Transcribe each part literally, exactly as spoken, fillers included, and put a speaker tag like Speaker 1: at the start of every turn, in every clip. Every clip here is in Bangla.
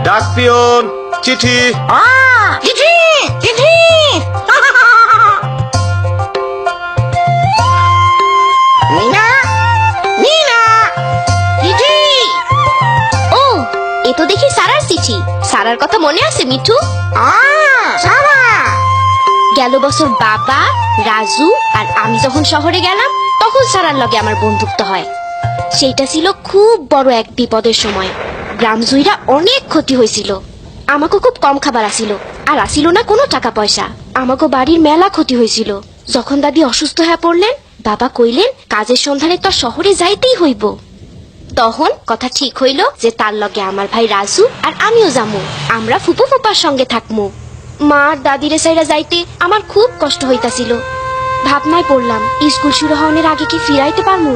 Speaker 1: ডাক পিয়ন, চিঠি।
Speaker 2: চিঠি চিঠি মিনা মিনা চিঠি।
Speaker 3: ও, এ তো দেখি সারার চিঠি। সারার কথা মনে আছে মিঠু?
Speaker 2: সারা
Speaker 3: গেল বছর বাবা, রাজু আর আমি যখন শহরে গেলাম তখন সারার লগে আমার বন্ধুত্ব হয়। সেইটা ছিল খুব বড় এক বিপদের সময়। গ্রাম জুইরা অনেক ক্ষতি হয়েছিল। আমাকে খুব কম খাবার আসিল, আর আসিল না কোনো টাকা পয়সা। আমাকে বাড়ির মেলা ক্ষতি হয়েছিল। যখন দাদি অসুস্থ হয়ে পড়লেন, বাবা কইলেন কাজের সন্ধানে তো শহরে যাইতেই হইব। তখন কথা ঠিক হইল যে তার লগে আমার ভাই রাজু আর আমিও যামু। আমরা ফুপু ফুপার সঙ্গে থাকমু। মা আর দাদিরে সাইরা যাইতে আমার খুব কষ্ট হইতাছিল। ভাবনায় পড়লাম স্কুল শুরু হওয়ার আগে কি ফিরাইতে পারমু।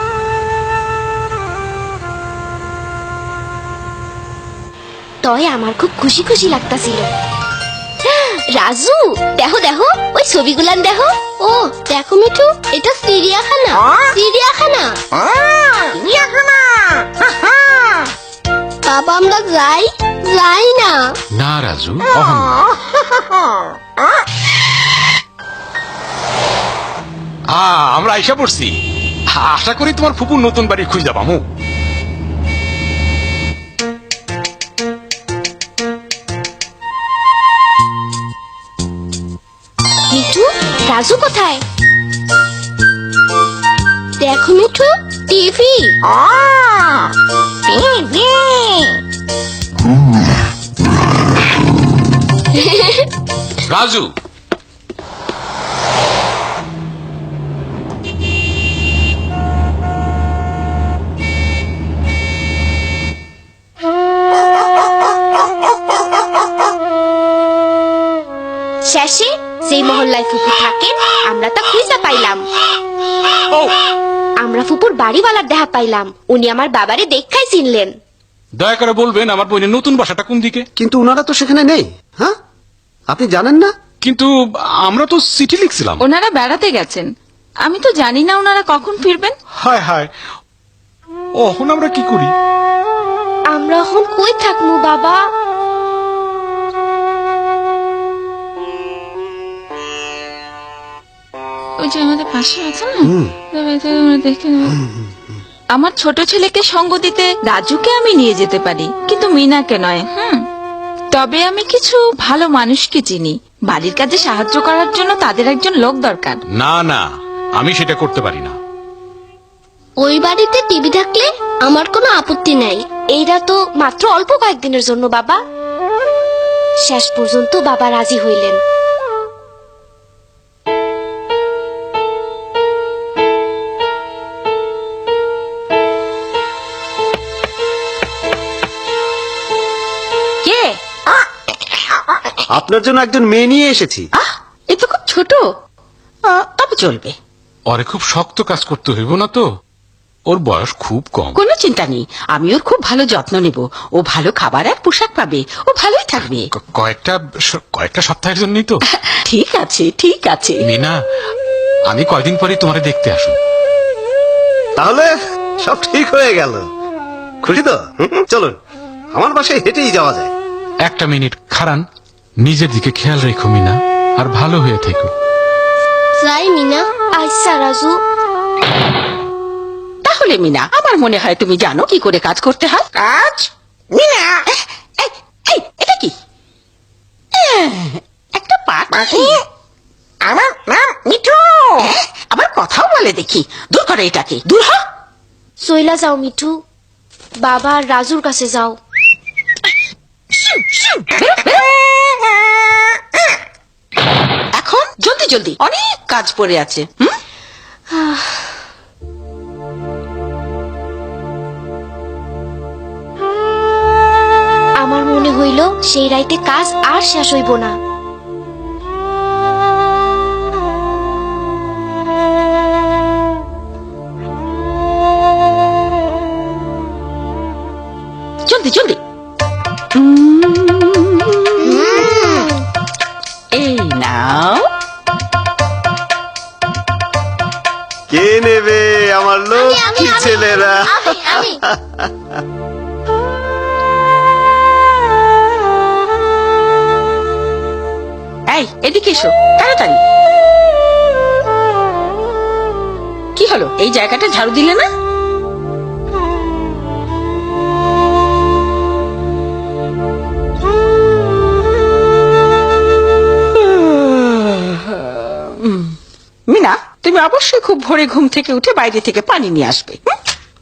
Speaker 3: তয় আমার খুব খুশি খুশি লাগতাছিল। রাজু, দেখো দেখো ওই ছবিগুলান দেখো। ও দেখো মিঠু, এটা চিড়িয়াখানা। চিড়িয়াখানা
Speaker 2: চিড়িয়াখানা।
Speaker 3: বাবা, আমরা যাই যাই না।
Speaker 4: না রাজু, অহন না। আ, আমরা আইসা পড়ছি। আশা করি তোমার ফুপুর নতুন বাড়ি খুঁজে পামু।
Speaker 3: মিঠু, রাজু কোথায়? দেখো মিঠু, টিভি।
Speaker 2: টিভি
Speaker 4: রাজু,
Speaker 3: শেষে যেই মহল্লায় ফুপু থাকে আমরা তা খুঁজে পাইলাম।
Speaker 4: ও
Speaker 3: আমরা ফুপুর বাড়িওয়ালার দেখা পাইলাম। উনি আমার বাবারে দেখাই চিনলেন।
Speaker 4: দয়া করে বলবেন আমার বোনের নতুন বাসাটা কোন দিকে?
Speaker 1: কিন্তু ওনারা তো সেখানে নেই। হ্যাঁ, আপনি জানেন না?
Speaker 4: কিন্তু আমরা তো চিঠি লিখছিলাম।
Speaker 5: ওনারা বেড়াতে গেছেন, আমি তো জানি না ওনারা কখন ফিরবেন।
Speaker 4: হায় হায়, এখন আমরা কি করি?
Speaker 3: আমরা এখন কই থাকমু বাবা?
Speaker 5: ওই যে আমাদের পাশে আছে না, দেখে আমার ছোট ছেলেকে সঙ্গ দিতে রাজুকে আমি নিয়ে যেতে পারি, কিন্তু মিনাকে নয়। হুম, তবে আমি কিছু ভালো মানুষকে চিনি। বাড়ির কাজে সাহায্য করার জন্য তাদের একজন লোক দরকার।
Speaker 4: না না, আমি সেটা করতে পারি না।
Speaker 3: ওই বাড়িতে টিভি থাকলে আমার কোনো আপত্তি নাই। এইটা তো মাত্র অল্প কয়েকদিনের জন্য বাবা। শেষ পর্যন্ত বাবা রাজি হইলেন।
Speaker 5: কে?
Speaker 1: আপনার জন্য একজন মেয়ে নিয়ে এসেছি।
Speaker 2: এ তো খুব ছোট, তবে চলবে।
Speaker 4: ওরে খুব শক্ত কাজ করতে হইব না তো, ওর বয়স খুব কম।
Speaker 2: কোনো চিন্তা নেই, আমি ওর খুব ভালো যত্ন নেব। ও ভালো খাবার আর পোশাক পাবে, ও ভালোই থাকবে।
Speaker 4: ক- কয়েকটা কয়েকটা সপ্তাহের জন্যই তো।
Speaker 2: ঠিক আছে ঠিক আছে।
Speaker 4: মিনা, আমি কয়দিন পরে তোমারে দেখতে আসুন।
Speaker 1: তাহলে সব ঠিক হয়ে গেল। খুশি তো? হুম, চলুন, আমার বাসায় হেঁটেই যাওয়া যায়।
Speaker 4: একটা মিনিট খারান, নিজের দিকে খেয়াল রেখো মিনা, আর ভালো হয়ে থেকো।
Speaker 3: যাই মিনা। আচ্ছা রাজু।
Speaker 2: তাহলে মিনা, আমার মনে হয় তুমি জানো কি করে কাজ করতে হয়। কাজ? মিনা, এই, এই, এটা কি? একটা পাখি। আমার নাম মিঠু। আবার কথাও বলে দেখি। দূর করো এটাকে, দূর হ।
Speaker 3: চইলা যাও মিঠু, বাবা আর রাজুর কাছে যাও।
Speaker 2: এখন জলদি জলদি, অনেক কাজ পড়ে আছে। হুম?
Speaker 3: আমার মনে হইল সেই রাইতে কাজ আর শেষ হইব না।
Speaker 2: জলদি জলদি। এই নাও।
Speaker 1: কে নেবে আমার লক্ষ্মী ছেলেরা?
Speaker 2: এদিকে এসো তাড়াতাড়ি। কি হলো, এই জায়গাটা ঝাড়ু দিলে না? মিনা, তুমি অবশ্যই খুব ভোরে ঘুম থেকে উঠে বাইরে থেকে পানি নিয়ে আসবে। হুম?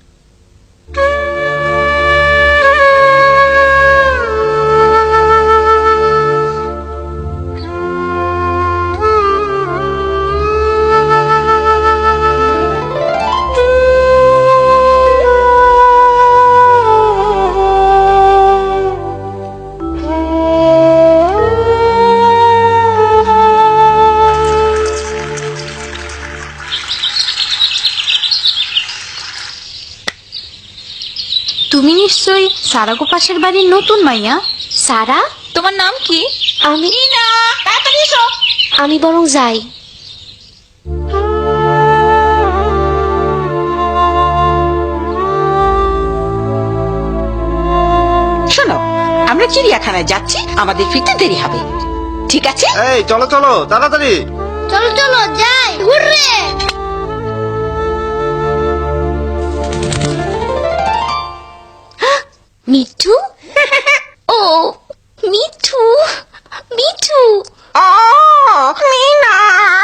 Speaker 5: তুমি নিশ্চয়ই সারাগো পাশের বাড়ির নতুন মাইয়া।
Speaker 3: সারা,
Speaker 5: তোমার নাম কি?
Speaker 3: আমি
Speaker 2: মিনা, তাড়াতাড়ি এসো।
Speaker 3: আমি বরং যাই।
Speaker 2: শোনো, আমরা চিড়িয়াখানায় যাচ্ছি, আমাদের ফিরতে দেরি হবে, ঠিক আছে?
Speaker 1: এই চলো চলো তাড়াতাড়ি।
Speaker 3: চলো চলো যাই, হুররে। মিঠু, ও মিঠু, মিঠু,
Speaker 2: ও মিনা,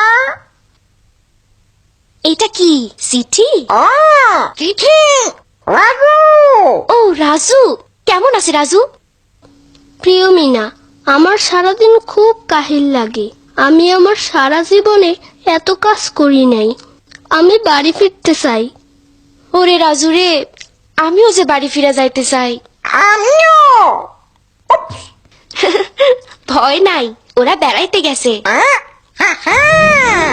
Speaker 3: এটা কি চিঠি?
Speaker 2: ও চিঠি, রাজু।
Speaker 3: ও রাজু, কেমন আছে রাজু?
Speaker 6: প্রিয় মিনা, আমার সারাদিন খুব কাহিল লাগে। আমি আমার সারা জীবনে এত কাজ করি নাই। আমি বাড়ি ফিরতে চাই।
Speaker 3: ওরে রাজু রে, আমিও যে বাড়ি ফিরে যাইতে চাই।
Speaker 2: আমিও।
Speaker 3: ভয় নাই, ওরা বেড়াইতে গেছে।
Speaker 2: হ্যাঁ, হ্যাঁ, হ্যাঁ।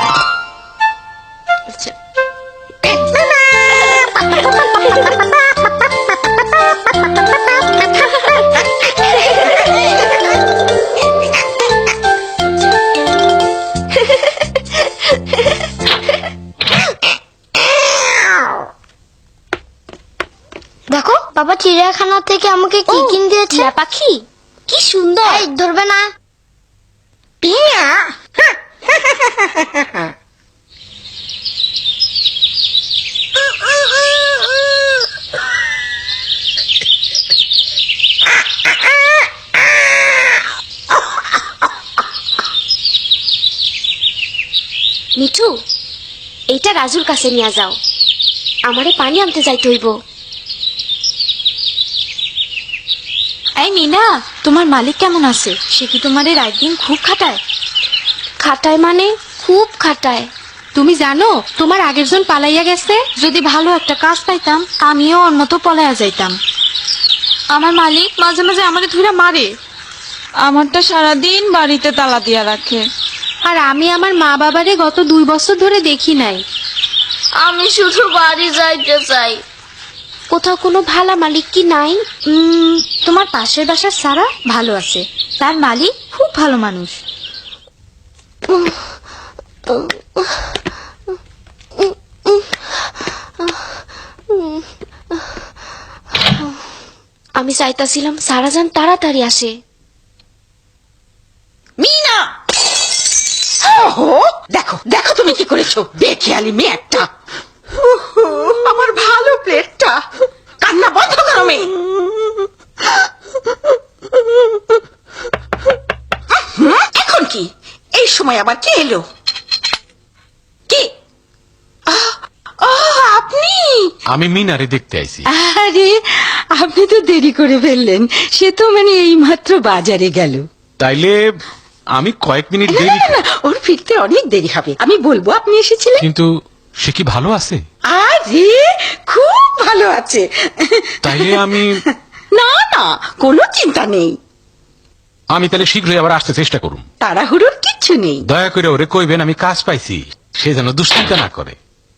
Speaker 6: দেখো, বাবা চিড়িয়াখানা থেকে আমাকে কি
Speaker 3: ও,
Speaker 6: কিনে দিয়েছে।
Speaker 3: টিয়া পাখি, কি সুন্দর।
Speaker 6: এই, ধরবে না।
Speaker 2: টিয়া,
Speaker 3: মিঠু, এইটা রাজুর কাছে নিয়ে যাও, আমারে পানি আনতে যাইতে হইব।
Speaker 5: এই মিনা, তোমার মালিক কেমন আছে? সে কি তোমার রাত দিন খুব খাটায়?
Speaker 3: খাটায় মানে খুব খাটায়।
Speaker 5: তুমি জানো তোমার আগের জন পালাইয়া গেছে। যদি ভালো একটা কাজ পাইতাম আমিও ওর মতো পলাইয়া যাইতাম। আমার মালিক মাঝে মাঝে আমাকে ধুইরা মারে। আমারটা সারাদিন বাড়িতে তালা দিয়া রাখে। আর আমি আমার মা বাবারে গত দুই বছর ধরে দেখি নাই।
Speaker 3: আমি শুধু বাড়ি যাইতে চাই। কোথাও কোনো ভালা মালিক কি নাই?
Speaker 5: উম, তোমার পাশের বাসার সারা ভালো আছে, তার মালিক খুব ভালো মানুষ।
Speaker 3: আমি চাইতাছিলাম সারাজান তাড়াতাড়ি আসে।
Speaker 2: মিনা, ওহো, দেখো দেখো তুমি কি করেছো, বেখেয়ালি মেয়ে একটা। উহু, আমার ভালো প্লেটটা। কান্না বন্ধ করো মেয়ে। হুম, এখন কি এই সময় আবার কে এলো? কি? আহ, আহ, আপনি?
Speaker 4: আমি মিনারে দেখতে আইছি।
Speaker 2: আরে, আপনি তো দেরি করে ফেললেন। সে তো মানে এই মাত্র বাজারে গেল।
Speaker 4: তাইলে আমি কয়েক মিনিট
Speaker 2: না,
Speaker 4: দেরি।
Speaker 2: না, না, ওর ফিরতে অনেক দেরি হবে। আমি বলবো আপনি এসেছিলেন।
Speaker 4: কিন্তু সে কি ভালো আছে?
Speaker 2: আরে, খুব ভালো আছে।
Speaker 4: তাইলে আমি
Speaker 2: না না, কোনো চিন্তা নেই।
Speaker 4: আমি তাহলে শীঘ্রই আবার আসতে চেষ্টা করুন।
Speaker 2: তাড়াহুড়োর কিচ্ছু নেই।
Speaker 4: দয়া করে ওরে কইবেন আমি কাজ পাইছি, সে যেন দুশ্চিন্তা না করে।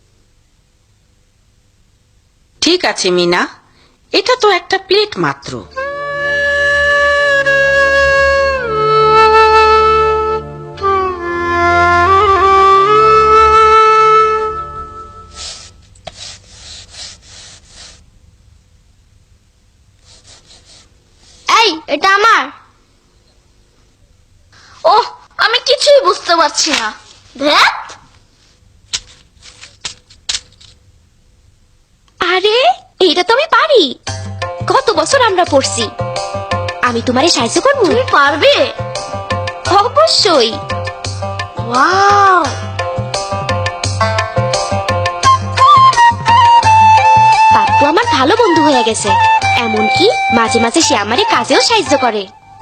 Speaker 2: ঠিক আছে মিনা, এটা তো একটা প্লেট মাত্র।
Speaker 6: এই, এটা আমার।
Speaker 3: ও,
Speaker 6: আমি কিছুই বুঝতে পারছি না। ধ্যাৎ।
Speaker 3: আরে এইটা তো আমি পারি, কত বছর আমরা পড়ছি। আমি তোমারে সাহায্য করবো?
Speaker 6: তুমি পারবে?
Speaker 3: অবশ্যই।
Speaker 6: ওয়াও,
Speaker 3: পাপ্পু আমার ভালো বন্ধু হয়ে গেছে, এমনকি মাঝে মাঝে সে আমারে কাজেও সাহায্য করে।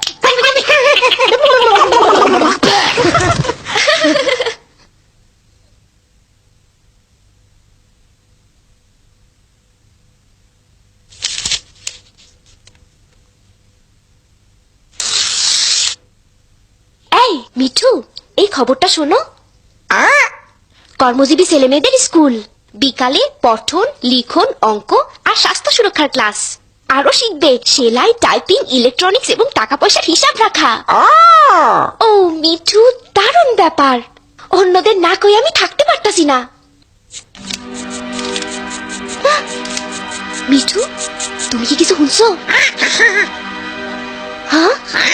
Speaker 3: এই মিঠু, এই খবরটা শোনো। কর্মজীবী ছেলেমেয়েদের স্কুল, বিকালে পঠন, লিখন, অঙ্ক আর স্বাস্থ্য সুরক্ষার ক্লাস। আরো শিখবে সেলাই, টাইপিং, ইলেকট্রনিক্স এবং টাকা পয়সার হিসাব রাখা। ও মিঠু, দারুণ ব্যাপার। অন্যদের না কই আমি থাকতে পারতাছি না। আহ! মিঠু, তুমি কি কিছু শুনছো? হ্যাঁ,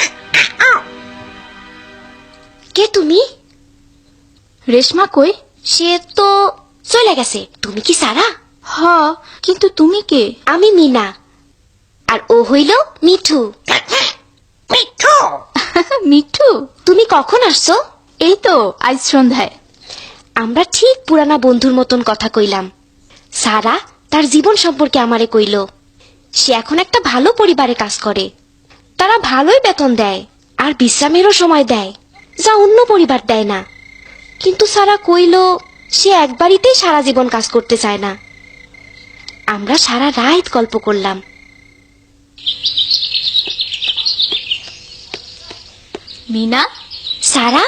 Speaker 3: কে তুমি?
Speaker 5: রেশমা কই?
Speaker 3: সে তো চলে গেছে। তুমি কি সারা?
Speaker 5: হ, কিন্তু তুমি কে?
Speaker 3: আমি মিনা, আর ও হইল মিঠু।
Speaker 5: মিঠু,
Speaker 3: তুমি কখন আসছো?
Speaker 5: এই তো আজ সন্ধ্যায়।
Speaker 3: আমরা ঠিক পুরানা বন্ধুর মতন কথা কইলাম। সারা তার জীবন সম্পর্কে আমারে কইল। সে এখন একটা ভালো পরিবারে কাজ করে। তারা ভালোই বেতন দেয় আর বিশ্রামেরও সময় দেয়, যা অন্য পরিবার দেয় না। কিন্তু সারা কইল সে একবারিতেই সারা জীবন কাজ করতে চায় না। আমরা সারা রাত গল্প করলাম।
Speaker 5: মিনা,
Speaker 3: সারা,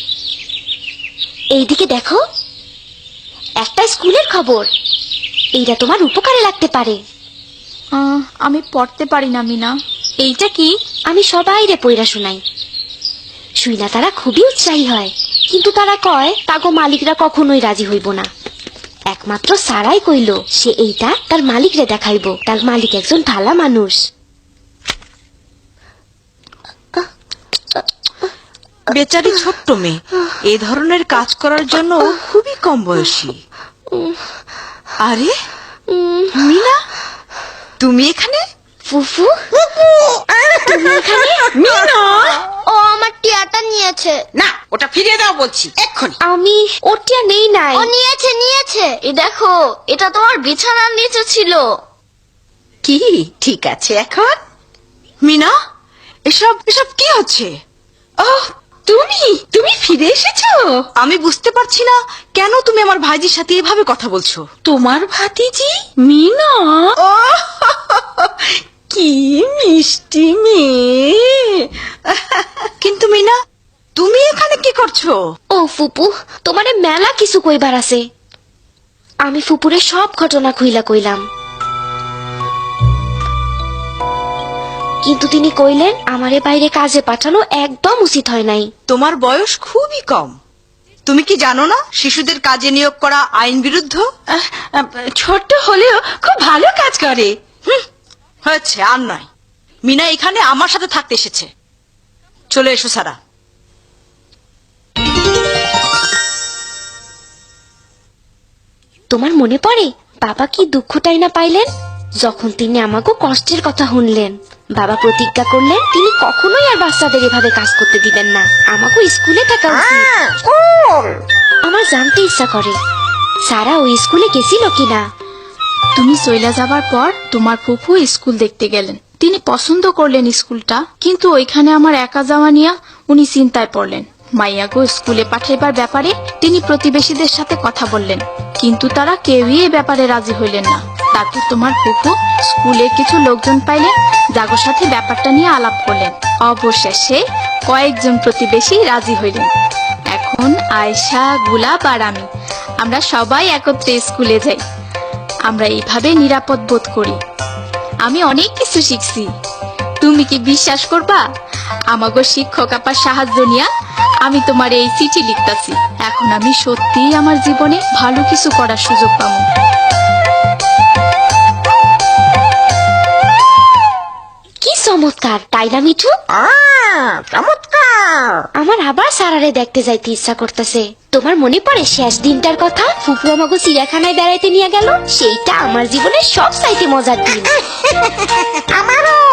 Speaker 3: এইদিকে দেখো, একটা স্কুলের খবর। এইটা তোমার উপকারে লাগতে পারে।
Speaker 5: আহ, আমি পড়তে পারি না মিনা। এইটা কি?
Speaker 3: আমি সবাইরে পইরা শুনাই। শুইনা তারা খুবই উৎসাহী হয়, কিন্তু তারা কয় তাগো মালিকরা কখনোই রাজি হইব না। একমাত্র সারাই কইল সে এইটা তার মালিকরে দেখাইব। তার মালিক একজন ভালা মানুষ।
Speaker 2: বেচারি ছোট্ট মেয়ে, এ ধরনের কাজ করার জন্য ও খুবই কম বয়সী। আরে মিনা, তুমি এখানে?
Speaker 3: ফুফু, তুমি এখানে?
Speaker 2: মিনা,
Speaker 6: ও আমার টিয়াটা নিয়েছে।
Speaker 2: না, ওটা ফিরিয়ে দাও বলছি এক্ষুনি।
Speaker 3: আমি ওটিয়া নেই নাই।
Speaker 6: ও নিয়েছে নিয়েছে, এই দেখো, এটা তোমার বিছানার নিচে ছিল।
Speaker 2: কি ঠিক আছে এখন? মিনা, এসব এসব কি হচ্ছে? ওহ, তুমি তুমি ফিরে এসেছো। আমি বুঝতে পারছি না কেন তুমি আমার ভাইজির সাথে এভাবে কথা বলছো। তোমার ভাতিজি মিনা? ও কি মিষ্টি মেয়ে। কিন্তু মিনা, তুমি এখানে কি করছো?
Speaker 3: ও ফুপু, তোমারে মেলা কিছু কইবার আছে। আমি ফুপুরে সব ঘটনা খুইলা কইলাম, কিন্তু তিনি কইলেন আমারে বাইরে কাজে পাঠানো একদম উচিত হয় নাই।
Speaker 2: তোমার বয়স খুবই কম। তুমি কি জানো না শিশুদের কাজে নিয়োগ করা আইন বিরুদ্ধ? ছোট হলেও খুব ভালো কাজ করে। হুম, হয়েছে, আর নয়। মিনা এখানে আমার সাথে থাকতে এসেছে। চলে এসো সারা।
Speaker 3: তোমার মনে পড়ে বাবা কি দুঃখটাই না পাইলেন যখন তিনি আমাকে কষ্টের কথা শুনলেন। বাবা প্রতিজ্ঞা করলেন তিনি কখনোই আর বাচ্চাদের এভাবে কাজ করতে দিবেন না। আমাকে স্কুলে থাকা উচিত। আমার জানতে ইচ্ছা করে সারা ওই স্কুলে গেছিল কিনা।
Speaker 5: তুমি চইলা যাবার পর তোমার ফুফু স্কুল দেখতে গেলেন। তিনি পছন্দ করলেন স্কুলটা, কিন্তু ওইখানে আমার একা যাওয়া নিয়ে উনি চিন্তায় পড়লেন। মাইয়াগো স্কুলে পাঠাইবার ব্যাপারে তিনি প্রতিবেশীদের সাথে কথা বললেন, কিন্তু তারা কেউই এ ব্যাপারে রাজি হইলেন না। তারপর তোমার ফুফু স্কুলে কিছু লোকজন পাইলেন, যাগোর সাথে ব্যাপারটা নিয়ে আলাপ করলেন। অবশেষে কয়েকজন প্রতিবেশী রাজি হইলেন। এখন আয়শা, গুলাব আর আমি, আমরা সবাই একত্রে স্কুলে যাই। আমরা এইভাবে নিরাপদ বোধ করি। আমি অনেক কিছু শিখছি। তুমি কি বিশ্বাস করবা, আমাগো শিক্ষক আপার সাহায্য নিয়া আমি তোমার এই চিঠি লিখতাছি। এখন আমি সত্যিই আমার জীবনে ভালো কিছু করার সুযোগ পাবো।
Speaker 3: কি চমৎকার, তাই না মিঠু?
Speaker 2: চমৎকার।
Speaker 3: আমার আবার সারারে দেখতে যাইতে ইচ্ছা করতেছে। তোমার মনে পড়ে শেষ দিনটার কথা? ফুপু আমাকে চিড়িয়াখানায় বেড়াইতে নিয়ে গেল। সেইটা আমার জীবনের সব চাইতে মজার দিন।
Speaker 2: আমারও